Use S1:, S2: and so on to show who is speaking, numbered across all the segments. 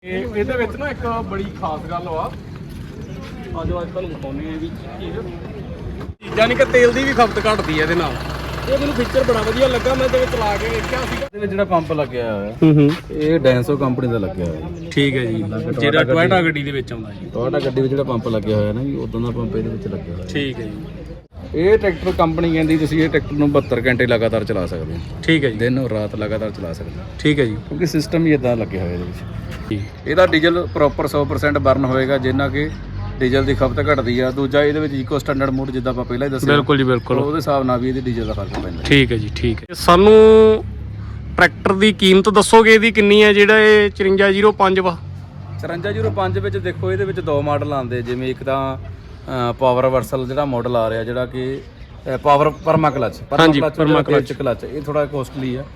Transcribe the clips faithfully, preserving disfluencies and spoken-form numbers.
S1: ਇਹਦੇ ਵਿੱਚ ਨਾ ਇੱਕ ਬੜੀ ਖਾਸ ਗੱਲ ਵਾ ਅੱਜ ਅੱਜ ਤੁਹਾਨੂੰ ਦਿਖਾਉਂਦੇ ਆ ਵੀ ਚੀਜ਼ ਯਾਨੀ ਕਿ ਤੇਲ ਦੀ ਵੀ ਖਪਤ ਘਟਦੀ ਹੈ ਇਹਦੇ ਨਾਲ। ਇਹ ਮੈਨੂੰ ਫੀਚਰ ਬੜਾ ਵਧੀਆ ਲੱਗਾ, ਮੈਂ ਇਹਦੇ ਵਿੱਚ ਲਾ ਕੇ ਵੇਖਿਆ ਸੀਗਾ।
S2: ਇਹਦੇ ਵਿੱਚ ਜਿਹੜਾ ਪੰਪ ਲੱਗਿਆ ਹੋਇਆ
S1: ਹੂੰ ਹੂੰ
S2: ਇਹ ਡੈਂਸੋ ਕੰਪਨੀ ਦਾ ਲੱਗਿਆ ਹੋਇਆ।
S1: ਠੀਕ ਹੈ ਜੀ, ਜਿਹੜਾ ਟੋਇਟਾ ਗੱਡੀ ਦੇ ਵਿੱਚ ਆਉਂਦਾ ਜੀ।
S2: ਟੋਇਟਾ ਗੱਡੀ ਵਿੱਚ ਜਿਹੜਾ ਪੰਪ ਲੱਗਿਆ ਹੋਇਆ ਨਾ ਜੀ ਉਦੋਂ ਦਾ ਪੰਪ ਇਹਦੇ ਵਿੱਚ ਲੱਗਿਆ ਹੋਇਆ।
S1: ਠੀਕ ਹੈ ਜੀ।
S2: ਇਹ ਟਰੈਕਟਰ ਕੰਪਨੀ ਕਹਿੰਦੀ ਤੁਸੀਂ ਇਹ ਟਰੈਕਟਰ ਨੂੰ ਬਹੱਤਰ ਘੰਟੇ ਲਗਾਤਾਰ ਚਲਾ ਸਕਦੇ ਹੋ।
S1: ਠੀਕ ਹੈ ਜੀ,
S2: ਦਿਨ ਔਰ ਰਾਤ ਲਗਾਤਾਰ ਚਲਾ ਸਕਦੇ ਹੋ।
S1: ਠੀਕ ਹੈ ਜੀ,
S2: ਕਿਉਂਕਿ ਸਿਸਟਮ ਹੀ ਇਦਾਂ ਲੱਗਿਆ ਹੋਇਆ ਇਹਦੇ ਵਿੱਚ। ਇਹਦਾ ਡੀਜ਼ਲ ਪ੍ਰੋਪਰ ਸੌ ਪਰਸੈਂਟ ਬਰਨ ਹੋਏਗਾ, ਜਿੰਨਾ ਕਿ ਡੀਜ਼ਲ ਦੀ ਖਪਤ ਘਟਦੀ ਆ। ਦੂਜਾ ਇਹਦੇ ਵਿੱਚ ਇਕੋ ਸਟੈਂਡਰਡ ਮੋਡ ਜਿੱਦਾਂ ਆਪਾਂ ਪਹਿਲਾਂ ਹੀ ਦੱਸਿਆ,
S1: ਬਿਲਕੁਲ ਜੀ ਬਿਲਕੁਲ,
S2: ਉਹਦੇ ਹਿਸਾਬ ਨਾਲ ਵੀ ਇਹਦੇ ਡੀਜ਼ਲ ਦਾ ਫਰਕ ਪੈਂਦਾ।
S1: ਠੀਕ ਹੈ ਜੀ, ਠੀਕ ਹੈ। ਸਾਨੂੰ ਟਰੈਕਟਰ ਦੀ ਕੀਮਤ ਦੱਸੋਗੇ ਇਹਦੀ ਕਿੰਨੀ ਹੈ ਜਿਹੜਾ ਇਹ ਚੁਰੰਜਾ ਜ਼ੀਰੋ ਪੰਜ ਵਾ?
S2: ਚੁਰੰਜਾ ਜ਼ੀਰੋ ਪੰਜ ਵਿੱਚ ਦੇਖੋ ਇਹਦੇ ਵਿੱਚ ਦੋ ਮਾਡਲ ਆਉਂਦੇ, ਜਿਵੇਂ ਇੱਕ ਤਾਂ ਪਾਵਰ ਵਰਸਲ ਜਿਹੜਾ ਮਾਡਲ ਆ ਰਿਹਾ ਜਿਹੜਾ ਕਿ power perma clutch perma clutch clutch ਇਹ ਥੋੜਾ ਕੋਸਟਲੀ ਆ।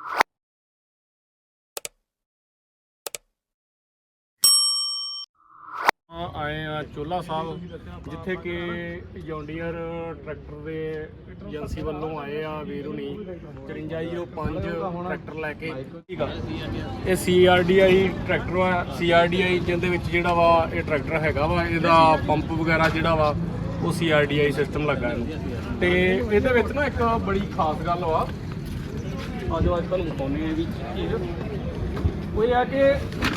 S1: ਆਏ ਆ ਚੋਲਾ ਸਾਹਿਬ, ਜਿੱਥੇ ਕਿ ਜੌਂਡੀਅਰ ਟਰੈਕਟਰ ਦੇ ਏਜੰਸੀ ਵੱਲੋਂ ਆਏ ਆ ਵੀਰ ਹੁਣੀ ਚੁਰੰਜਾ ਜ਼ੀਰੋ ਪੰਜ ਟਰੈਕਟਰ ਲੈ ਕੇ। ਇਹ C R D I tractor ਵਾ। ਸੀ ਆਰ ਡੀ ਆਈ ਜਿਹਦੇ ਵਿੱਚ ਜਿਹੜਾ ਵਾ ਇਹ ਟਰੈਕਟਰ ਹੈਗਾ ਵਾ, ਇਹਦਾ ਪੰਪ ਵਗੈਰਾ ਜਿਹੜਾ ਵਾ ਉਹ C R D I system ਲੱਗਾ ਇਹਨੂੰ। ਤੇ ਇਹਦੇ ਵਿੱਚ ਨਾ ਇੱਕ ਬੜੀ ਖਾਸ ਗੱਲ ਵਾ ਅੱਜ ਅੱਜ ਤੁਹਾਨੂੰ ਦਿਖਾਉਂਦੇ ਆ ਵੀ ਚੀਜ਼ ਉਹ ਇਹ ਆ ਕਿ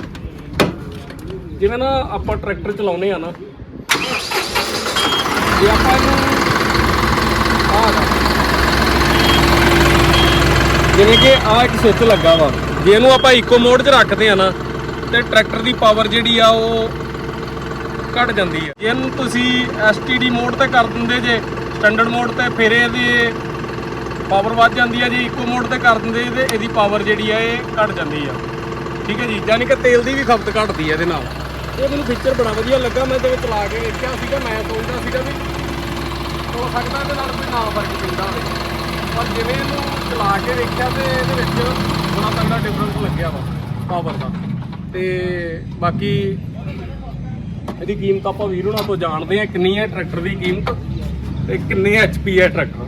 S1: ਜਿਵੇਂ ਨਾ ਆਪਾਂ ਟਰੈਕਟਰ ਚਲਾਉਂਦੇ ਆ ਨਾ, ਜੇ ਆਪਾਂ ਇਹਨੂੰ ਆਹ ਜਿਵੇਂ ਕਿ ਆਹ ਇੱਕ ਸਵਿੱਚ ਲੱਗਾ ਵਾ, ਜੇ ਇਹਨੂੰ ਆਪਾਂ ਇਕੋ ਮੋਡ 'ਚ ਰੱਖਦੇ ਆ ਨਾ ਤੇ ਟਰੈਕਟਰ ਦੀ ਪਾਵਰ ਜਿਹੜੀ ਆ ਉਹ ਘਟ ਜਾਂਦੀ ਹੈ। ਜੇ ਇਹਨੂੰ ਤੁਸੀਂ ਐਸ ਟੀ ਡੀ ਮੋਡ ਤੇ ਕਰ ਦਿੰਦੇ ਜੇ ਸਟੈਂਡਰਡ ਮੋਡ ਤੇ, ਫਿਰ ਇਹਦੀ ਪਾਵਰ ਵੱਧ ਜਾਂਦੀ ਹੈ। ਜੇ ਇਕੋ ਮੋਡ ਤੇ ਕਰ ਦਿੰਦੇ ਤੇ ਇਹਦੀ ਪਾਵਰ ਜਿਹੜੀ ਆ ਇਹ ਘਟ ਜਾਂਦੀ ਆ। ਠੀਕ ਹੈ ਜੀ, ਯਾਨੀ ਕਿ ਤੇਲ ਦੀ ਵੀ ਖਪਤ ਘਟਦੀ ਹੈ ਇਹਦੇ ਨਾਲ। ਇਹ ਮੈਨੂੰ ਫੀਚਰ ਬੜਾ ਵਧੀਆ ਲੱਗਾ, ਮੈਂ ਇਹਦੇ ਵਿੱਚ ਲਾ ਕੇ ਵੇਖਿਆ ਸੀਗਾ। ਮੈਂ ਸੋਚਦਾ ਸੀਗਾ ਵੀ ਹੋ ਸਕਦਾ ਇਹਦੇ ਨਾਲ ਕੋਈ ਨਾ ਫਰਕ ਪੈਂਦਾ ਹੋਵੇ, ਪਰ ਜਿਵੇਂ ਇਹਨੂੰ ਚਲਾ ਕੇ ਵੇਖਿਆ ਤੇ ਇਹਦੇ ਵਿੱਚ ਬੜਾ ਤਗੜਾ ਡਿਫਰੈਂਸ ਲੱਗਿਆ ਵਾ ਪਾਵਰ ਦਾ। ਤੇ ਬਾਕੀ ਇਹਦੀ ਕੀਮਤ ਆਪਾਂ ਵੀਰ ਹੋਣਾ ਤੋਂ ਜਾਣਦੇ ਹਾਂ ਕਿੰਨੀ ਹੈ ਟਰੈਕਟਰ ਦੀ ਕੀਮਤ ਤੇ ਕਿੰਨੇ ਐਚ ਪੀ ਹੈ ਟਰੈਕਟਰ।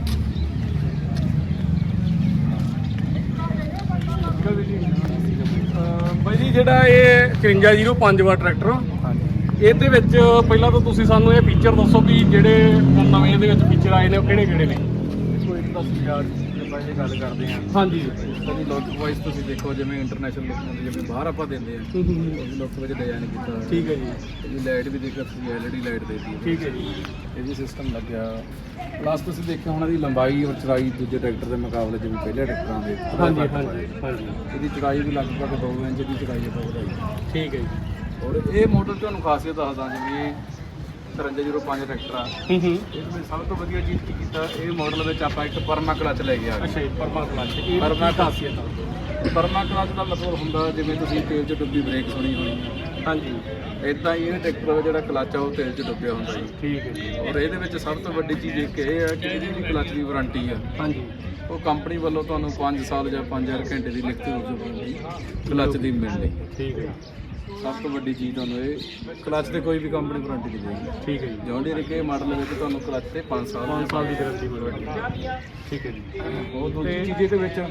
S1: ਬਾਈ ਜੀ ਜਿਹੜਾ ਇਹ ਚੁਰੰਜਾ ਜ਼ੀਰੋ ਪੰਜ ਵਾ ਟਰੈਕਟਰ, ਇਹਦੇ ਵਿੱਚ ਪਹਿਲਾਂ ਤਾਂ ਤੁਸੀਂ ਸਾਨੂੰ ਇਹ ਫੀਚਰ ਦੱਸੋ ਵੀ ਜਿਹੜੇ ਨਵੇਂ ਇਹਦੇ ਵਿੱਚ ਫੀਚਰ ਆਏ ਨੇ ਉਹ ਕਿਹੜੇ ਕਿਹੜੇ ਨੇ?
S2: ਕੋਈ ਇੱਕ ਤਾਂ ਯਾਰ ਆਪਾਂ ਇਹ ਗੱਲ ਕਰਦੇ ਹਾਂ।
S1: ਹਾਂਜੀ,
S2: ਇਹਦੀ ਲੁੱਕ ਵਾਈਜ਼ ਤੁਸੀਂ ਦੇਖੋ, ਜਿਵੇਂ ਇੰਟਰਨੈਸ਼ਨਲ ਲੁੱਕ ਹੁੰਦੀ, ਜਿਵੇਂ ਬਾਹਰ ਆਪਾਂ ਦਿੰਦੇ ਆ ਉਹਦੀ ਲੁੱਕ ਵਿੱਚ ਡਿਜ਼ਾਈਨ ਕੀਤਾ।
S1: ਠੀਕ ਹੈ ਜੀ।
S2: ਇਹਦੀ ਲਾਈਟ ਵੀ ਦੇਖੋ ਤੁਸੀਂ ਐਲ ਈ ਡੀ ਲਾਈਟ ਦੇਤੀ।
S1: ਠੀਕ ਹੈ ਜੀ।
S2: ਇਹ ਵੀ ਸਿਸਟਮ ਲੱਗਿਆ। ਪਲੱਸ ਤੁਸੀਂ ਦੇਖਿਆ ਹੁਣ ਇਹਦੀ ਲੰਬਾਈ ਔਰ ਚੌੜਾਈ ਦੂਜੇ ਟਰੈਕਟਰ ਦੇ ਮੁਕਾਬਲੇ ਜਿਵੇਂ ਪਹਿਲੇ ਟਰੈਕਟਰਾਂ ਦੇ
S1: ਹਾਂਜੀ ਹਾਂਜੀ ਹਾਂਜੀ
S2: ਇਹਦੀ ਚੌੜਾਈ ਵੀ ਲਗਭਗ ਦੋ ਇੰਚ ਦੀ ਚੌੜਾਈ ਆਪਾਂ ਵਧਾਈ।
S1: ਠੀਕ ਹੈ ਜੀ।
S2: ਔਰ ਇਹ ਮਾਡਲ ਤੁਹਾਨੂੰ ਖਾਸੀਅਤ ਦੱਸਦਾ, ਜਿਵੇਂ ਇਹ ਚੁਰੰਜਾ ਜ਼ੀਰੋ ਪੰਜ ਟਰੈਕਟਰ ਆ,
S1: ਹੂੰ ਹੂੰ
S2: ਇਹਦੇ ਵਿੱਚ ਸਭ ਤੋਂ ਵਧੀਆ ਚੀਜ਼ ਕੀ ਕੀਤਾ, ਇਹ ਮਾਡਲ ਵਿੱਚ ਆਪਾਂ ਇੱਕ ਪਰਮਾ ਕਲਚ ਲੈ ਕੇ ਆ ਗਏ।
S1: ਅੱਛਾ ਜੀ, ਪਰਮਾ ਕਲਚ। ਇਹ
S2: ਪਰਮਾ
S1: ਖਾਸੀਅਤ ਆ।
S2: ਪਰਮਾ ਕਲਚ ਦਾ ਮਤਲਬ ਹੁੰਦਾ ਜਿਵੇਂ ਤੁਸੀਂ ਤੇਲ 'ਚ ਡੁੱਬੀ ਬ੍ਰੇਕ ਸੁਣੀ ਹੋਣੀ ਹੈ।
S1: ਹਾਂਜੀ,
S2: ਇਦਾਂ ਹੀ ਇਹ ਟਰੈਕਟਰ ਦਾ ਜਿਹੜਾ ਕਲਚ ਆ ਉਹ ਤੇਲ 'ਚ ਡੁੱਬਿਆ ਹੁੰਦਾ ਜੀ।
S1: ਠੀਕ ਹੈ ਜੀ।
S2: ਔਰ ਇਹਦੇ ਵਿੱਚ ਸਭ ਤੋਂ ਵੱਡੀ ਚੀਜ਼ ਇੱਕ ਇਹ ਹੈ ਕਿ ਇਹਦੀ ਜਿਹੜੀ ਕਲਚ ਦੀ ਵਾਰੰਟੀ ਆ
S1: ਹਾਂਜੀ,
S2: ਉਹ ਕੰਪਨੀ ਵੱਲੋਂ ਤੁਹਾਨੂੰ ਪੰਜ ਸਾਲ ਜਾਂ ਪੰਜ ਹਜ਼ਾਰ ਘੰਟੇ ਦੀ ਲਿਖਤੀ ਰੂਪ ਵਿੱਚ ਵਾਰੰਟੀ ਕਲਚ ਦੀ ਮਿਲਣੀ।
S1: ਠੀਕ ਹੈ।
S2: ਸਭ ਤੋਂ ਵੱਡੀ ਚੀਜ਼ ਤੁਹਾਨੂੰ ਇਹ ਕਲਚ ਤੇ ਕੋਈ ਵੀ ਕੰਪਨੀ ਵਾਰੰਟੀ ਨਹੀਂ ਦੇਗੀ।
S1: ਠੀਕ ਹੈ ਜੀ।
S2: ਜੌਂਡੀਅਰ ਕੇ ਮਾਡਲ ਵਿੱਚ ਤੁਹਾਨੂੰ ਕਲਚ ਤੇ ਪੰਜ ਸਾਲ
S1: ਪੰਜ ਸਾਲ ਦੀ ਗਾਰੰਟੀ ਮਿਲੇਗੀ। ਠੀਕ ਹੈ ਜੀ।
S2: ਉਹ ਦੂਜੀ ਚੀਜ਼ ਇਹਦੇ ਵਿੱਚ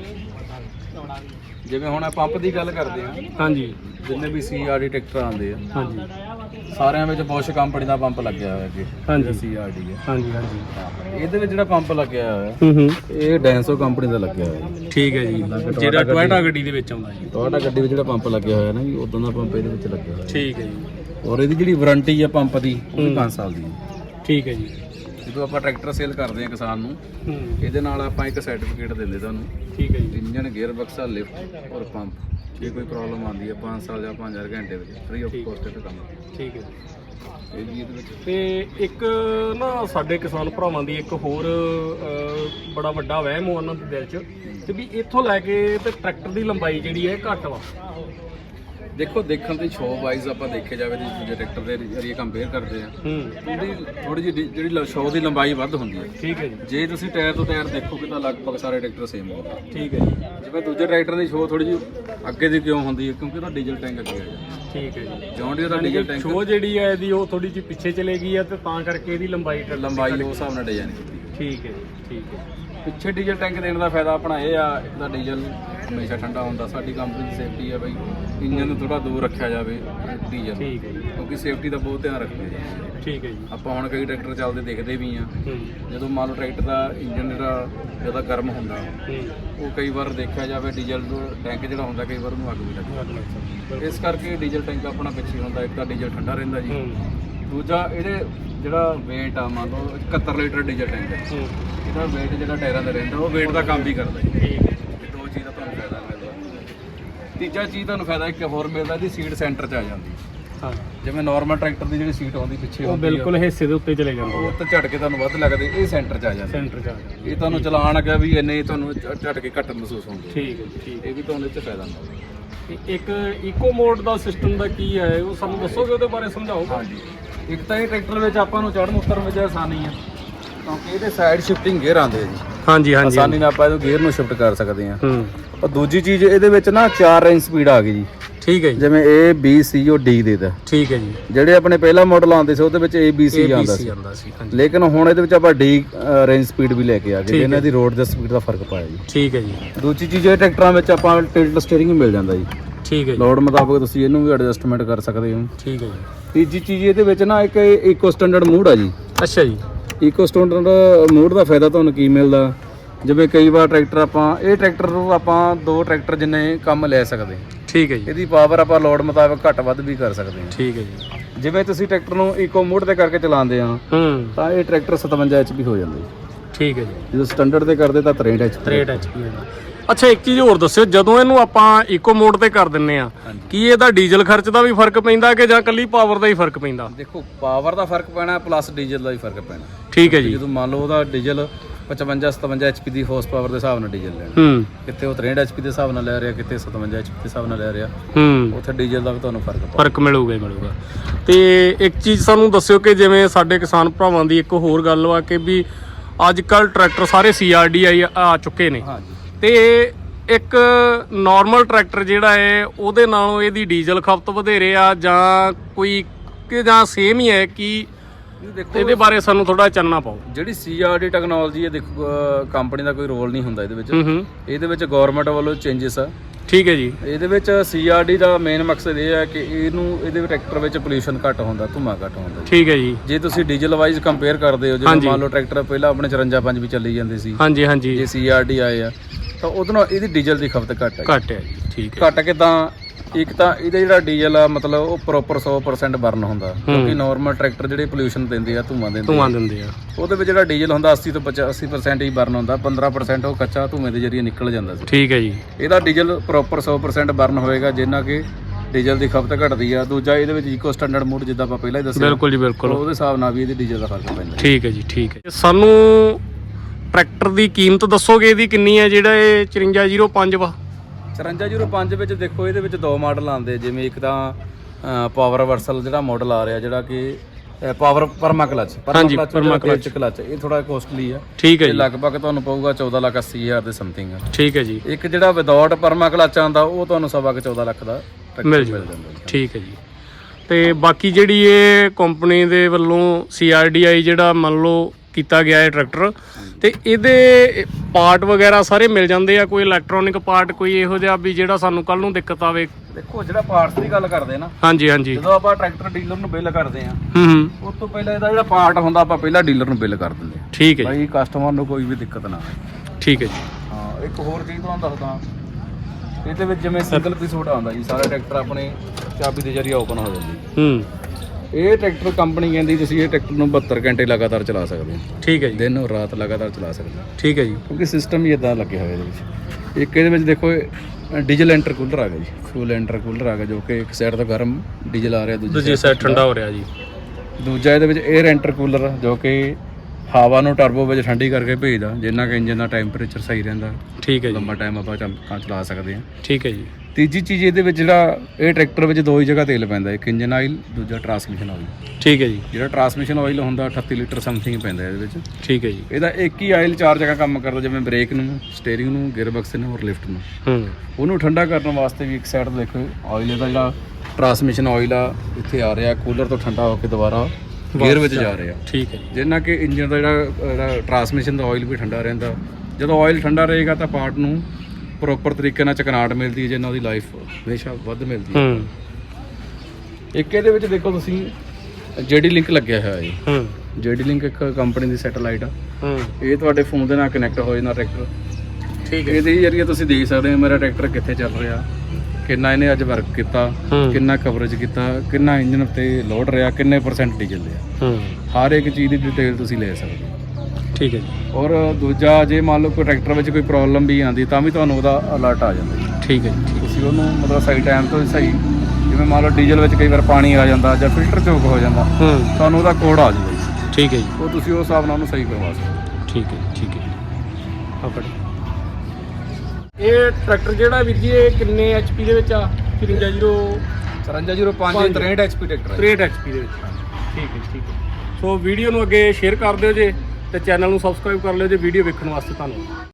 S2: ਜਿਵੇਂ ਹੁਣ ਪੰਪ ਦੀ ਗੱਲ ਕਰਦੇ ਆ,
S1: ਹਾਂਜੀ,
S2: ਜਿੰਨੇ ਵੀ ਸੀ ਆਰ ਡੀ ਟਰੈਕਟਰ ਆਉਂਦੇ ਆ
S1: ਹਾਂਜੀ,
S2: ਸਾਰਿਆਂ ਵਿੱਚ ਬੋਸ਼ ਕੰਪਨੀ ਦਾ ਪੰਪ ਲੱਗਿਆ ਹੋਇਆ ਅੱਗੇ।
S1: ਹਾਂਜੀ,
S2: ਸੀ ਆਰ ਡੀ ਹੈ।
S1: ਹਾਂਜੀ ਹਾਂਜੀ।
S2: ਇਹਦੇ ਵਿੱਚ ਜਿਹੜਾ ਪੰਪ ਲੱਗਿਆ ਹੋਇਆ
S1: ਹੂੰ ਹੂੰ
S2: ਇਹ ਡੈਂਸੋ ਕੰਪਨੀ ਦਾ ਲੱਗਿਆ ਹੋਇਆ।
S1: ਠੀਕ ਹੈ ਜੀ, ਜਿਹੜਾ ਟੋਇਟਾ ਗੱਡੀ ਦੇ ਵਿੱਚ ਆਉਂਦਾ ਜੀ।
S2: ਟੋਇਟਾ ਗੱਡੀ ਵਿੱਚ ਜਿਹੜਾ ਪੰਪ ਲੱਗਿਆ ਹੋਇਆ ਨਾ ਜੀ ਉਦੋਂ ਦਾ ਪੰਪ ਇਹਦੇ ਵਿੱਚ ਲੱਗਿਆ ਹੋਇਆ।
S1: ਠੀਕ ਹੈ ਜੀ।
S2: ਔਰ ਇਹਦੀ ਜਿਹੜੀ ਵਾਰੰਟੀ ਆ ਪੰਪ ਦੀ ਉਹ ਵੀ ਪੰਜ ਸਾਲ ਦੀ ਹੈ।
S1: ਠੀਕ ਹੈ ਜੀ।
S2: ਜਦੋਂ ਆਪਾਂ ਟਰੈਕਟਰ ਸੇਲ ਕਰਦੇ ਆ ਕਿਸਾਨ ਨੂੰ,
S1: ਹੂੰ,
S2: ਇਹਦੇ ਨਾਲ ਆਪਾਂ ਇੱਕ ਸਰਟੀਫਿਕੇਟ ਦਿੰਦੇ ਤੁਹਾਨੂੰ।
S1: ਠੀਕ ਹੈ ਜੀ।
S2: ਇੰਜਨ, ਗੇਅਰ ਬਕਸਾ, ਲਿਫਟ ਔਰ ਪੰਪ, ਜੇ ਕੋਈ ਪ੍ਰੋਬਲਮ ਆਉਂਦੀ ਹੈ ਪੰਜ ਸਾਲ ਜਾਂ ਪੰਜ ਹਜ਼ਾਰ ਘੰਟੇ ਵਿੱਚ ਫ੍ਰੀ ਆਫ ਕੋਸਟ ਤੇ ਕੰਮ।
S1: ਠੀਕ ਹੈ।
S2: ਇਹ ਵੀ ਇਹਦੇ ਵਿੱਚ
S1: ਤੇ ਇੱਕ ਨਾ ਸਾਡੇ ਕਿਸਾਨ ਭਰਾਵਾਂ ਦੀ ਇੱਕ ਹੋਰ ਅਹ, ਬੜਾ ਵੱਡਾ ਵਹਿਮ ਹੋ ਉਹਨਾਂ ਦੇ ਦਿਲ 'ਚ ਤੇ ਵੀ ਇੱਥੋਂ ਲੈ ਕੇ ਤੇ ਟਰੈਕਟਰ ਦੀ ਲੰਬਾਈ ਜਿਹੜੀ ਹੈ ਘੱਟ ਵਾ।
S2: ਦੇਖੋ, ਦੇਖਣ ਦੀ ਸ਼ੋ ਵਾਈਜ਼ ਆਪਾਂ ਦੇਖੇ ਜਾਵੇ ਤੇ ਦੂਜੇ ਟਰੈਕਟਰ ਦੇ ਜਰੀਏ ਕੰਪੇਅਰ ਕਰਦੇ ਆ,
S1: ਹੂੰ,
S2: ਉਹਦੀ ਥੋੜੀ ਜਿਹੀ ਜਿਹੜੀ ਸ਼ੋ ਦੀ ਲੰਬਾਈ ਵੱਧ ਹੁੰਦੀ ਹੈ।
S1: ਠੀਕ ਹੈ ਜੀ।
S2: ਜੇ ਤੁਸੀਂ ਟਾਇਰ ਤੋਂ ਟਾਇਰ ਦੇਖੋਗੇ ਤਾਂ ਲਗਭਗ ਸਾਰੇ ਟਰੈਕਟਰ ਸੇਮ ਹੁੰਦੇ।
S1: ਠੀਕ ਹੈ ਜੀ।
S2: ਜਿਵੇਂ ਦੂਜੇ ਟਰੈਕਟਰ ਦੀ ਸ਼ੋ ਥੋੜੀ ਜਿਹੀ ਅੱਗੇ ਦੀ ਕਿਉਂ ਹੁੰਦੀ ਹੈ, ਕਿਉਂਕਿ ਉਹਦਾ ਡੀਜ਼ਲ ਟੈਂਕ ਅੱਗੇ ਆ ਜਾਂਦਾ।
S1: ਠੀਕ ਹੈ ਜੀ।
S2: ਜੌਂਡੀਅਰ ਦਾ ਡੀਜ਼ਲ ਟੈਂਕ
S1: ਸ਼ੋ ਜਿਹੜੀ ਹੈ ਇਹਦੀ ਉਹ ਥੋੜੀ ਜਿਹੀ ਪਿੱਛੇ ਚਲੇ ਗਈ ਹੈ ਤੇ ਤਾਂ ਕਰਕੇ ਇਹਦੀ ਲੰਬਾਈ
S2: ਲੰਬਾਈ ਉਸ ਹਿਸਾਬ ਨਾਲ ਡਿਜ਼ਾਈਨ ਕੀਤੀ ਹੈ।
S1: ਠੀਕ ਹੈ ਜੀ। ਠੀਕ ਹੈ।
S2: ਪਿੱਛੇ ਡੀਜ਼ਲ ਟੈਂਕ ਦੇਣ ਦਾ ਫਾਇਦਾ ਆਪਣਾ ਇਹ ਆ, ਇੱਕ ਤਾਂ ਡੀਜ਼ਲ ਹਮੇਸ਼ਾ ਠੰਡਾ ਹੁੰਦਾ, ਸਾਡੀ ਕੰਪਨੀ ਦੀ ਸੇਫਟੀ ਹੈ ਬਈ ਇੰਜਨ ਨੂੰ ਥੋੜਾ ਦੂਰ ਰੱਖਿਆ ਜਾਵੇ ਡੀਜ਼ਲ,
S1: ਠੀਕ ਹੈ ਜੀ,
S2: ਕਿਉਂਕਿ ਸੇਫਟੀ ਦਾ ਬਹੁਤ ਧਿਆਨ ਰੱਖਦੇ ਜੀ।
S1: ਠੀਕ ਹੈ ਜੀ।
S2: ਆਪਾਂ ਹੁਣ ਕਈ ਟਰੈਕਟਰ ਚੱਲਦੇ ਦੇਖਦੇ ਵੀ ਆ,
S1: ਹੂੰ
S2: ਜਦੋਂ ਮੰਨ ਲਓ ਟਰੈਕਟਰ ਦਾ ਇੰਜਨ ਜਿਹੜਾ ਜ਼ਿਆਦਾ ਗਰਮ ਹੁੰਦਾ
S1: ਹੂੰ
S2: ਉਹ ਕਈ ਵਾਰ ਦੇਖਿਆ ਜਾਵੇ ਡੀਜ਼ਲ ਟੈਂਕ ਜਿਹੜਾ ਹੁੰਦਾ ਕਈ ਵਾਰ ਉਹਨੂੰ ਅੱਗ ਵੀ ਲੱਗਦੀ, ਇਸ ਕਰਕੇ ਡੀਜ਼ਲ ਟੈਂਕ ਆਪਣਾ ਪਿੱਛੇ ਹੁੰਦਾ, ਇੱਕ ਤਾਂ ਡੀਜ਼ਲ ਠੰਡਾ ਰਹਿੰਦਾ ਜੀ,
S1: ਹੂੰ
S2: ਦੂਜਾ ਇਹਦੇ ਜਿਹੜਾ weight ਆ ਮੰਨ ਲਓ ਇਕਹੱਤਰ ਲੀਟਰ ਡੀਜ਼ਲ ਟੈਂਕ ਹੈ,
S1: ਹੂੰ
S2: ਇਹਦਾ weight ਜਿਹੜਾ ਟਾਇਰਾਂ ਦਾ ਰਹਿੰਦਾ ਉਹ weight ਦਾ ਕੰਮ ਵੀ ਕਰਦਾ ਜੀ।
S1: ਠੀਕ ਹੈ।
S2: ਇਹ ਦੋ ਚੀਜ਼ ਦਾ ਤੁਹਾਨੂੰ ਫਾਇਦਾ ਮਿਲਦਾ। ਤੀਜਾ ਚੀਜ਼ ਤੁਹਾਨੂੰ ਫਾਇਦਾ ਇੱਕ ਹੋਰ ਮਿਲਦਾ, ਇਹਦੀ ਸੀਟ ਸੈਂਟਰ 'ਚ ਆ ਜਾਂਦੀ,
S1: ਹਾਂ
S2: ਜਿਵੇਂ ਨਾਰਮਲ ਟਰੈਕਟਰ ਦੀ ਜਿਹੜੀ ਸੀਟ ਆਉਂਦੀ ਪਿੱਛੇ
S1: ਉਹ
S2: ਹੁੰਦੀ ਆ,
S1: ਬਿਲਕੁਲ ਹਿੱਸੇ ਦੇ ਉੱਤੇ ਚਲੇ ਜਾਂਦੇ
S2: ਉਹ ਤਾਂ ਝਟਕੇ ਤੁਹਾਨੂੰ ਵੱਧ ਲੱਗਦੇ, ਇਹ ਸੈਂਟਰ 'ਚ ਆ ਜਾਂਦੀ।
S1: ਸੈਂਟਰ ਚ ਆ ਜਾਂਦੇ।
S2: ਇਹ ਤੁਹਾਨੂੰ ਚਲਾਉਣ ਅੱਗੇ ਵੀ ਇੰਨੇ ਤੁਹਾਨੂੰ ਝ- ਝਟਕੇ ਘੱਟ ਮਹਿਸੂਸ ਹੁੰਦੇ,
S1: ਠੀਕ ਹੈ ਜੀ, ਠੀਕ ਹੈ।
S2: ਇਹ ਵੀ ਤੁਹਾਨੂੰ ਇਹ 'ਚ ਫਾਇਦਾ ਹੁੰਦਾ।
S1: ਤੇ ਇੱਕ ਇਕੋ ਮੋਡ ਦਾ ਸਿਸਟਮ ਦਾ ਕੀ ਹੈ ਉਹ ਸਾਨੂੰ ਦੱਸੋਗੇ, ਉਹਦੇ ਬਾਰੇ ਸਮਝਾਓਗੇ?
S2: ਹਾਂਜੀ, ਇੱਕ ਤਾਂ ਇਹ ਟਰੈਕਟਰ ਵਿੱਚ ਆਪਾਂ ਨੂੰ ਚੜ੍ਹਨ ਉਤਰਨ ਵਿੱਚ ਆਸਾਨੀ ਆ, ਕਿਉਂਕਿ ਇਹਦੇ ਸਾਈਡ ਸ਼ਿਫਟਿੰਗ ਗੇਅਰ ਆਉਂਦੇ ਆ ਜੀ,
S1: ਹਾਂਜੀ ਹਾਂਜੀ
S2: ਆਸਾਨੀ ਨਾਲ ਆਪਾਂ ਇਹਨੂੰ ਗੇਅਰ ਨੂੰ ਸ਼ਿਫਟ ਕਰ ਸਕਦੇ ਹਾਂ।
S1: ਹੂੰ
S2: ਪਰ ਦੂਜੀ ਚੀਜ਼ ਇਹਦੇ ਵਿੱਚ ਨਾ ਚਾਰ ਰੇਂਜ ਸਪੀਡ ਆ ਗਈ ਜੀ,
S1: ਠੀਕ ਹੈ ਜੀ,
S2: ਜਿਵੇਂ A B C ਉਹ D ਦੇ ਦਾ।
S1: ਠੀਕ ਹੈ ਜੀ।
S2: ਜਿਹੜੇ ਆਪਣੇ ਪਹਿਲਾ ਮਾਡਲ ਆਉਂਦੇ ਸੀ ਉਹਦੇ ਵਿੱਚ A B C ਆਉਂਦਾ ਸੀ,
S1: ਆਉਂਦਾ ਸੀ, ਹਾਂਜੀ
S2: ਲੇਕਿਨ ਹੁਣ ਇਹਦੇ ਵਿੱਚ ਆਪਾਂ D ਰੇਂਜ ਸਪੀਡ ਵੀ ਲੈ ਕੇ ਆ ਗਏ, ਜਿਹਨਾਂ ਦੀ ਰੋਡ ਦੇ ਸਪੀਡ ਦਾ ਫਰਕ ਪਾਇਆ ਜੀ।
S1: ਠੀਕ ਹੈ ਜੀ,
S2: ਦੂਜੀ ਚੀਜ਼ ਇਹ ਟਰੈਕਟਰਾਂ ਵਿੱਚ ਆਪਾਂ ਟਿਲਟ ਸਟੀਅਰਿੰਗ ਵੀ ਮਿਲ ਜਾਂਦਾ ਜੀ,
S1: ਠੀਕ ਹੈ ਜੀ,
S2: ਲੋਡ ਮੁਤਾਬਕ ਤੁਸੀਂ ਇਹਨੂੰ ਵੀ ਐਡਜਸਟਮੈਂਟ ਕਰ ਸਕਦੇ ਹੋ।
S1: ਠੀਕ ਹੈ ਜੀ।
S2: ਤੀਜੀ ਚੀਜ਼ ਇਹਦੇ ਵਿੱਚ ਨਾ ਇੱਕ ਇਕੋ ਸਟੈਂਡਰਡ ਮੋਡ ਆ ਜੀ।
S1: ਅੱਛਾ ਜੀ,
S2: ਇਕੋ ਸਟੈਂਡਰਡ ਮੋਡ ਦਾ ਫਾਇਦਾ ਤੁਹਾਨੂੰ ਕੀ ਮਿਲਦਾ, ਜਿਵੇਂ ਕਈ ਵਾਰ ਟਰੈਕਟਰ ਆਪਾਂ ਇਹ ਟਰੈਕਟਰ ਨੂੰ ਆਪਾਂ ਦੋ ਟਰੈਕਟਰ ਜਿੰਨੇ ਕੰਮ ਲੈ ਸਕਦੇ ਹਾਂ,
S1: ਠੀਕ ਹੈ ਜੀ,
S2: ਇਹਦੀ ਪਾਵਰ ਆਪਾਂ ਲੋਡ ਮੁਤਾਬਕ ਘੱਟ ਵੱਧ ਵੀ ਕਰ ਸਕਦੇ ਹਾਂ।
S1: ਠੀਕ ਹੈ ਜੀ।
S2: ਜਿਵੇਂ ਤੁਸੀਂ ਟਰੈਕਟਰ ਨੂੰ ਇਕੋ ਮੋਡ ਤੇ ਕਰਕੇ ਚਲਾਉਂਦੇ ਆ
S1: ਹੂੰ
S2: ਤਾਂ ਇਹ ਟਰੈਕਟਰ ਸਤਵੰਜਾ ਐਚ ਪੀ ਹੋ ਜਾਂਦਾ ਜੀ,
S1: ਠੀਕ ਹੈ ਜੀ,
S2: ਜਦੋਂ ਸਟੈਂਡਰਡ ਤੇ ਕਰਦੇ ਤਾਂ ਤਰੇਂਹਠ ਐਚ ਪੀ।
S1: ਤਰੇਂਹਠ ਐਚ ਪੀ ਹੁੰਦਾ। ਅੱਛਾ ਇੱਕ ਚੀਜ਼ ਹੋਰ ਦੱਸਿਓ, ਜਦੋਂ ਇਹਨੂੰ ਆਪਾਂ ਇਕੋ ਮੋਡ ਤੇ ਕਰ ਦਿੰਨੇ ਆ, ਕੀ ਇਹਦਾ ਡੀਜ਼ਲ ਖਰਚ ਦਾ ਵੀ ਫਰਕ ਪੈਂਦਾ ਕਿ ਜਾਂ ਕੱਲੀ ਪਾਵਰ ਦਾ ਹੀ ਫਰਕ ਪੈਂਦਾ?
S2: ਦੇਖੋ ਪਾਵਰ ਦਾ ਫਰਕ ਪੈਣਾ ਪਲੱਸ ਡੀਜ਼ਲ ਦਾ ਵੀ ਫਰਕ ਪੈਣਾ।
S1: ਠੀਕ ਹੈ ਜੀ।
S2: ਜਦੋਂ ਮੰਨ ਲਓ ਉਹਦਾ ਡੀਜ਼ਲ ਪਚਵੰਜਾ ਸਤਵੰਜਾ ਐਚ ਪੀ ਦੀ ਹਾਰਸ ਪਾਵਰ ਦੇ ਹਿਸਾਬ ਨਾਲ ਡੀਜ਼ਲ ਲੈਣਾ,
S1: ਹੂੰ
S2: ਕਿਤੇ ਉਹ ਤਰੇਂਹਠ ਐਚ ਪੀ ਦੇ ਹਿਸਾਬ ਨਾਲ ਲੈ ਰਿਹਾ, ਕਿਤੇ ਸਤਵੰਜਾ ਐਚ ਪੀ ਦੇ ਹਿਸਾਬ ਨਾਲ ਲੈ ਰਿਹਾ,
S1: ਹੂੰ
S2: ਉੱਥੇ ਡੀਜ਼ਲ ਦਾ ਵੀ ਤੁਹਾਨੂੰ ਫਰਕ ਪਾ
S1: ਫਰਕ ਮਿਲੂਗਾ ਹੀ ਮਿਲੂਗਾ। ਤੇ ਇੱਕ ਚੀਜ਼ ਸਾਨੂੰ ਦੱਸਿਓ ਕਿ ਜਿਵੇਂ ਸਾਡੇ ਕਿਸਾਨ ਭਰਾਵਾਂ ਦੀ ਇੱਕ ਹੋਰ ਗੱਲ ਵਾ ਕਿ ਵੀ ਅੱਜ ਕੱਲ ਟਰੈਕਟਰ ਸਾਰੇ ਸੀ ਆਰ ਡੀ ਆਈ ਆ ਚੁੱਕੇ ਨੇ,
S2: ਹਾਂਜੀ।
S1: ਤੇ ਇੱਕ ਨਾਰਮਲ ਟਰੈਕਟਰ ਜਿਹੜਾ ਹੈ ਉਹਦੇ ਨਾਲੋਂ ਇਹਦੀ ਡੀਜ਼ਲ ਖਪਤ ਵਧੇਰੇ ਆ ਜਾਂ ਕੋਈ ਕਿ ਜਾਂ ਸੇਮ ਹੀ ਹੈ ਕਿ
S2: ਦੇਖੋ
S1: ਇਹਦੇ ਬਾਰੇ ਸਾਨੂੰ ਥੋੜਾ ਚਾਨਣਾ ਪਾਓ।
S2: ਜਿਹੜੀ ਸੀ ਆਰ ਡੀ ਟੈਕਨੋਲੋਜੀ ਹੈ, ਦੇਖੋ ਕੰਪਨੀ ਦਾ ਕੋਈ ਰੋਲ ਨਹੀਂ ਹੁੰਦਾ ਇਹਦੇ ਵਿੱਚ,
S1: ਹੂੰ ਹੂੰ
S2: ਇਹਦੇ ਵਿੱਚ ਗਵਰਨਮੈਂਟ ਵੱਲੋਂ ਚੇਂਜਸ ਆ।
S1: ਠੀਕ ਹੈ ਜੀ,
S2: ਇਹਦੇ ਵਿੱਚ ਸੀ ਆਰ ਡੀ ਦਾ ਮੇਨ ਮਕਸਦ ਇਹ ਹੈ ਕਿ ਇਹਨੂੰ ਇਹਦੇ ਟਰੈਕਟਰ ਵਿੱਚ ਪੋਲਿਊਸ਼ਨ ਘੱਟ ਹੁੰਦਾ, ਧੂੰਆਂ ਘੱਟ ਹੁੰਦਾ।
S1: ਠੀਕ ਹੈ ਜੀ,
S2: ਜੇ ਤੁਸੀਂ ਡੀਜ਼ਲ ਵਾਈਜ਼ ਕੰਪੇਅਰ ਕਰਦੇ ਹੋ, ਜਿਵੇਂ ਮੰਨ ਲਓ ਟਰੈਕਟਰ ਪਹਿਲਾਂ ਆਪਣੇ ਚੁਰੰਜਾ ਪੰਜ ਵੀ ਚੱਲੀ ਜਾਂਦੇ ਸੀ,
S1: ਹਾਂਜੀ ਹਾਂਜੀ,
S2: ਜੇ ਸੀ ਆਰ ਡੀ ਆਏ ਆ ਤਾਂ ਉਹਦੇ ਨਾਲ ਇਹਦੀ ਡੀਜ਼ਲ ਦੀ ਖਪਤ ਘੱਟ ਹੈ।
S1: ਘੱਟ ਹੈ ਜੀ, ਠੀਕ ਹੈ।
S2: ਘੱਟ ਕਿੱਦਾਂ, ਇੱਕ ਤਾਂ ਇਹਦਾ ਜਿਹੜਾ ਡੀਜ਼ਲ ਆ ਮਤਲਬ ਉਹ ਪ੍ਰੋਪਰ ਸੌ ਪਰਸੈਂਟ ਬਰਨ ਹੁੰਦਾ, ਕਿਉਂਕਿ ਨਾਰਮਲ ਟਰੈਕਟਰ ਜਿਹੜੇ ਪੋਲਿਊਸ਼ਨ ਦਿੰਦੇ ਆ, ਧੂੰਆਂ ਦਿੰਦੇ
S1: ਧੂੰਆਂ ਦਿੰਦੇ ਆ,
S2: ਉਹਦੇ ਵਿੱਚ ਜਿਹੜਾ ਡੀਜ਼ਲ ਹੁੰਦਾ ਅੱਸੀ ਤੋਂ ਪਚਾਸੀ ਪਰਸੈਂਟ ਹੀ ਬਰਨ ਹੁੰਦਾ, ਪੰਦਰਾਂ ਪਰਸੈਂਟ ਉਹ ਕੱਚਾ ਧੂੰਏ ਦੇ ਜ਼ਰੀਏ ਨਿਕਲ ਜਾਂਦਾ ਸੀ।
S1: ਠੀਕ ਹੈ ਜੀ,
S2: ਇਹਦਾ ਡੀਜ਼ਲ ਪ੍ਰੋਪਰ ਸੌ ਪਰਸੈਂਟ ਬਰਨ ਹੋਏਗਾ, ਜਿੰਨਾ ਕਿ ਡੀਜ਼ਲ ਦੀ ਖਪਤ ਘਟਦੀ ਆ। ਦੂਜਾ ਇਹਦੇ ਵਿੱਚ ਇਕੋ ਸਟੈਂਡਰਡ ਮੋਡ ਜਿੱਦਾਂ ਆਪਾਂ ਪਹਿਲਾਂ ਹੀ ਦੱਸਿਆ,
S1: ਬਿਲਕੁਲ ਜੀ ਬਿਲਕੁਲ,
S2: ਉਹਦੇ ਹਿਸਾਬ ਨਾਲ ਵੀ ਇਹਦੀ ਡੀਜ਼ਲ ਦਾ ਫਰਕ ਪੈਂਦਾ।
S1: ਠੀਕ ਹੈ ਜੀ, ਠੀਕ ਹੈ। ਸਾਨੂੰ ਟਰੈਕਟਰ ਦੀ ਕੀਮਤ ਦੱਸੋਗੇ ਇਹਦੀ ਕਿੰਨੀ ਹੈ ਜਿਹੜਾ ਇਹ ਚੁਰੰਜਾ ਜ਼ੀਰੋ ਪੰਜ ਵਾ?
S2: ਚੁਰੰਜਾ ਜ਼ੀਰੋ ਪੰਜ ਵਿੱਚ ਦੇਖੋ ਇਹਦੇ ਵਿੱਚ ਦੋ ਮਾਡਲ ਆਉਂਦੇ, ਜਿਵੇਂ ਇੱਕ ਤਾਂ ਪਾਵਰ ਵਰਸਲ ਜਿਹੜਾ ਮਾਡਲ ਆ ਰਿਹਾ, ਜਿਹੜਾ ਕਿ ਪਾਵਰ ਪਰਮਾ ਕਲਚ
S1: ਹਾਂਜੀ,
S2: ਪਰਮਾ ਕਲਚ ਕਲਚ ਇਹ ਥੋੜਾ ਕੋਸਟਲੀ ਆ।
S1: ਠੀਕ ਹੈ
S2: ਇਹ
S1: ਜੀ,
S2: ਲਗਭਗ ਤੁਹਾਨੂੰ ਪਊਗਾ ਚੌਦਾਂ ਲੱਖ ਅੱਸੀ ਹਜ਼ਾਰ ਦੇ ਸਮਥਿੰਗ ਆ।
S1: ਠੀਕ ਹੈ ਜੀ,
S2: ਇੱਕ ਜਿਹੜਾ ਵਿਦਆਊਟ ਪਰਮਾ ਕਲਚ ਆਉਂਦਾ ਉਹ ਤੁਹਾਨੂੰ ਸਵਾ ਕੁ ਚੌਦਾਂ ਲੱਖ ਦਾ ਟਰੈਕਟਰ
S1: ਮਿਲ
S2: ਜਾਂਦਾ
S1: ਜਾਂਦਾ।
S2: ਜੀ।
S1: ਠੀਕ ਹੈ ਜੀ। ਤੇ ਬਾਕੀ ਜਿਹੜੀ ਇਹ ਕੰਪਨੀ ਦੇ ਵੱਲੋਂ ਸੀ ਆਰ ਡੀ ਆਈ ਜਿਹੜਾ ਮੰਨ ਲਓ ਕੀਤਾ ਗਿਆ ਹੈ ਟਰੈਕਟਰ, ਤੇ ਇਹਦੇ ਪਾਰਟ ਵਗੈਰਾ ਸਾਰੇ ਮਿਲ ਜਾਂਦੇ ਆ? ਕੋਈ ਇਲੈਕਟ੍ਰੋਨਿਕ ਪਾਰਟ ਕੋਈ ਇਹੋ ਜਿਹਾ ਵੀ ਜਿਹੜਾ ਸਾਨੂੰ ਕੱਲ ਨੂੰ ਦਿੱਕਤ ਆਵੇ?
S2: ਦੇਖੋ ਜਿਹੜਾ ਪਾਰਟਸ ਦੀ ਗੱਲ ਕਰਦੇ ਨਾ,
S1: ਹਾਂਜੀ ਹਾਂਜੀ,
S2: ਜਦੋਂ ਆਪਾਂ ਟਰੈਕਟਰ ਡੀਲਰ ਨੂੰ ਬਿੱਲ ਕਰਦੇ ਆ,
S1: ਹੂੰ ਹੂੰ,
S2: ਉਸ ਤੋਂ ਪਹਿਲਾਂ ਇਹਦਾ ਜਿਹੜਾ ਪਾਰਟ ਹੁੰਦਾ ਆਪਾਂ ਪਹਿਲਾਂ ਡੀਲਰ ਨੂੰ ਬਿੱਲ ਕਰ ਦਿੰਦੇ ਆ,
S1: ਠੀਕ ਹੈ ਜੀ,
S2: ਭਾਈ ਕਸਟਮਰ ਨੂੰ ਕੋਈ ਵੀ ਦਿੱਕਤ ਨਾ ਆਵੇ।
S1: ਠੀਕ ਹੈ ਜੀ।
S2: ਹਾਂ, ਇੱਕ ਹੋਰ ਚੀਜ਼ ਤੁਹਾਨੂੰ ਦੱਸਦਾ, ਇਹਦੇ ਵਿੱਚ ਜਿਵੇਂ ਸਿੰਗਲ ਐਪੀਸੋਡ ਆਉਂਦਾ ਜੀ, ਸਾਰਾ ਟਰੈਕਟਰ ਆਪਣੇ ਚਾਬੀ ਦੇ ਜ਼ਰੀਏ ਓਪਨ ਹੋ ਜਾਂਦੀ।
S1: ਹੂੰ,
S2: ਇਹ ਟਰੈਕਟਰ ਕੰਪਨੀ ਕਹਿੰਦੀ ਤੁਸੀਂ ਇਹ ਟਰੈਕਟਰ ਨੂੰ ਬਹੱਤਰ ਘੰਟੇ ਲਗਾਤਾਰ ਚਲਾ ਸਕਦੇ ਹੋ,
S1: ਠੀਕ ਹੈ ਜੀ,
S2: ਦਿਨ ਔਰ ਰਾਤ ਲਗਾਤਾਰ ਚਲਾ ਸਕਦੇ ਹੋ,
S1: ਠੀਕ ਹੈ ਜੀ,
S2: ਕਿਉਂਕਿ ਸਿਸਟਮ ਹੀ ਇਦਾਂ ਲੱਗਿਆ ਹੋਇਆ ਇਹਦੇ ਵਿੱਚ। ਇੱਕ ਇਹਦੇ ਵਿੱਚ ਦੇਖੋ ਡੀਜ਼ਲ ਐਂਟਰ ਕੂਲਰ ਆ ਗਿਆ ਜੀ, ਫੂਲ ਐਂਟਰ ਕੂਲਰ ਆ ਗਿਆ, ਜੋ ਕਿ ਇੱਕ ਸਾਈਡ ਤੋਂ ਗਰਮ ਡੀਜ਼ਲ ਆ ਰਿਹਾ,
S1: ਦੂਜੀ ਸਾਈਡ ਠੰਡਾ ਹੋ ਰਿਹਾ ਜੀ।
S2: ਦੂਜਾ ਇਹਦੇ ਵਿੱਚ 에ਅਰ ਐਂਟਰ ਕੂਲਰ, ਜੋ ਕਿ ਹਵਾ ਨੂੰ ਟਰਬੋ ਵਿੱਚ ਠੰਡੀ ਕਰਕੇ ਭੇਜਦਾ, ਜਿੰਨਾ ਕਿ ਇੰਜਨ ਦਾ ਟੈਂਪਰੇਚਰ ਸਹੀ ਰਹਿੰਦਾ,
S1: ਠੀਕ ਹੈ ਜੀ,
S2: ਲੰਬਾ ਟਾਈਮ ਆਪਾਂ ਚਲਾ ਚਲਾ ਸਕਦੇ ਹਾਂ।
S1: ਠੀਕ ਹੈ ਜੀ।
S2: ਤੀਜੀ ਚੀਜ਼ ਇਹਦੇ ਵਿੱਚ ਜਿਹੜਾ ਇਹ ਟਰੈਕਟਰ ਵਿੱਚ ਦੋ ਹੀ ਜਗ੍ਹਾ ਤੇਲ ਪੈਂਦਾ, ਇੱਕ ਇੰਜਨ ਆਇਲ, ਦੂਜਾ ਟਰਾਂਸਮਿਸ਼ਨ ਆਇਲ।
S1: ਠੀਕ ਹੈ ਜੀ,
S2: ਜਿਹੜਾ ਟਰਾਂਸਮਿਸ਼ਨ ਆਇਲ ਹੁੰਦਾ ਅਠੱਤੀ ਲੀਟਰ ਸਮਥਿੰਗ ਪੈਂਦਾ ਇਹਦੇ ਵਿੱਚ।
S1: ਠੀਕ ਹੈ ਜੀ।
S2: ਇਹਦਾ ਇੱਕ ਹੀ ਆਇਲ ਚਾਰ ਜਗ੍ਹਾ ਕੰਮ ਕਰਦਾ, ਜਿਵੇਂ ਬ੍ਰੇਕ ਨੂੰ, ਸਟੀਅਰਿੰਗ ਨੂੰ, ਗੇਅਰ ਬਕਸ ਨੂੰ ਔਰ ਲਿਫਟ ਨੂੰ।
S1: ਹੂੰ,
S2: ਉਹਨੂੰ ਠੰਡਾ ਕਰਨ ਵਾਸਤੇ ਵੀ ਇੱਕ ਸਾਈਡ ਤੋਂ ਦੇਖੋ ਆਇਲ ਇਹਦਾ ਜਿਹੜਾ ਟਰਾਂਸਮਿਸ਼ਨ ਆਇਲ ਆ ਇੱਥੇ ਆ ਰਿਹਾ, ਕੂਲਰ ਤੋਂ ਠੰਡਾ ਹੋ ਕੇ ਦੁਬਾਰਾ ਗੇਅਰ ਵਿੱਚ ਜਾ ਰਿਹਾ।
S1: ਠੀਕ ਹੈ ਜੀ,
S2: ਜਿੰਨਾ ਕਿ ਇੰਜਨ ਦਾ ਜਿਹੜਾ ਜਿਹੜਾ ਟਰਾਂਸਮਿਸ਼ਨ ਦਾ ਆਇਲ ਵੀ ਠੰਡਾ ਰਹਿੰਦਾ, ਜਦੋਂ ਆਇਲ ਠੰਡਾ ਰਹੇਗਾ ਤਾਂ ਪਾਰਟ ਨੂੰ ਪ੍ਰੋਪਰ ਤਰੀਕੇ ਨਾਲ ਚਕਨਾਟ ਮਿਲਦੀ ਹੈ, ਜਿੰਨਾ ਉਹਦੀ ਲਾਈਫ ਹਮੇਸ਼ਾ ਵੱਧ ਮਿਲਦੀ ਹੈ।
S1: ਹੂੰ
S2: ਇੱਕ ਇਹਦੇ ਵਿੱਚ ਦੇਖੋ ਤੁਸੀਂ ਜੇਡੀ ਲਿੰਕ ਲੱਗਿਆ ਹੋਇਆ ਹੈ।
S1: ਹੂੰ
S2: ਜੇਡੀ ਲਿੰਕ ਇੱਕ ਕੰਪਨੀ ਦੀ ਸੈਟੇਲਾਈਟ ਆ।
S1: ਹੂੰ
S2: ਇਹ ਤੁਹਾਡੇ ਫੋਨ ਦੇ ਨਾਲ ਕਨੈਕਟ ਹੋ ਜਾਂਦਾ ਟਰੈਕਟਰ।
S1: ਠੀਕ ਹੈ।
S2: ਇਹਦੇ ਜ਼ਰੀਏ ਤੁਸੀਂ ਦੇਖ ਸਕਦੇ ਹੋ ਮੇਰਾ ਟਰੈਕਟਰ ਕਿੱਥੇ ਚੱਲ ਰਿਹਾ, ਕਿੰਨਾ ਇਹਨੇ ਅੱਜ ਵਰਕ ਕੀਤਾ, ਕਿੰਨਾ ਕਵਰੇਜ ਕੀਤਾ, ਕਿੰਨਾ ਇੰਜਨ ਉੱਤੇ ਲੋਡ ਰਿਹਾ, ਕਿੰਨੇ ਪਰਸੈਂਟ ਡੀਜ਼ਲ ਲਿਆ।
S1: ਹੂੰ
S2: ਹਰ ਇੱਕ ਚੀਜ਼ ਦੀ ਡਿਟੇਲ ਤੁਸੀਂ ਲੈ ਸਕਦੇ ਹੋ।
S1: ਠੀਕ ਹੈ ਜੀ।
S2: ਔਰ ਦੂਜਾ ਜੇ ਮੰਨ ਲਓ ਕੋਈ ਟਰੈਕਟਰ ਵਿੱਚ ਕੋਈ ਪ੍ਰੋਬਲਮ ਵੀ ਆਉਂਦੀ ਤਾਂ ਵੀ ਤੁਹਾਨੂੰ ਉਹਦਾ ਅਲਰਟ ਆ ਜਾਂਦਾ ਜੀ।
S1: ਠੀਕ ਹੈ ਜੀ।
S2: ਤੁਸੀਂ ਉਹਨੂੰ ਮਤਲਬ ਸਹੀ ਟਾਈਮ ਤੋਂ ਸਹੀ, ਜਿਵੇਂ ਮੰਨ ਲਓ ਡੀਜ਼ਲ ਵਿੱਚ ਕਈ ਵਾਰ ਪਾਣੀ ਆ ਜਾਂਦਾ ਜਾਂ ਫਿਲਟਰ ਚੋਕ ਹੋ ਜਾਂਦਾ,
S1: ਹੂੰ
S2: ਤੁਹਾਨੂੰ ਉਹਦਾ ਕੋਡ ਆ ਜਾਊਗਾ ਜੀ।
S1: ਠੀਕ ਹੈ ਜੀ।
S2: ਉਹ ਤੁਸੀਂ ਉਸ ਹਿਸਾਬ ਨਾਲ ਉਹਨੂੰ ਸਹੀ ਕਰਵਾ ਸਕਦੇ ਹੋ।
S1: ਠੀਕ ਹੈ ਜੀ, ਠੀਕ ਹੈ ਆ ਫੜ। ਇਹ ਟਰੈਕਟਰ ਜਿਹੜਾ ਵੀਰ ਜੀ ਇਹ ਕਿੰਨੇ ਐਚਪੀ ਦੇ ਵਿੱਚ ਆ? ਚੁਰੰਜਾ ਜ਼ੀਰੋ
S2: ਚੁਰੰਜਾ ਜ਼ੀਰੋ ਪੰਜ ਤਰੇਂਹਠ ਐਚਪੀ ਟਰੈਕਟਰ
S1: ਤਰੇਂਹਠ ਐਚਪੀ ਦੇ ਵਿੱਚ। ਠੀਕ ਹੈ ਠੀਕ ਹੈ। ਸੋ ਵੀਡੀਓ ਨੂੰ ਅੱਗੇ ਸ਼ੇਅਰ ਕਰ ਦਿਓ ਜੇ, ਤੇ ਚੈਨਲ ਨੂੰ ਸਬਸਕ੍ਰਾਈਬ ਕਰ ਲਿਓ ਜੇ। ਵੀਡੀਓ ਵੇਖਣ ਵਾਸਤੇ ਧੰਨਵਾਦ।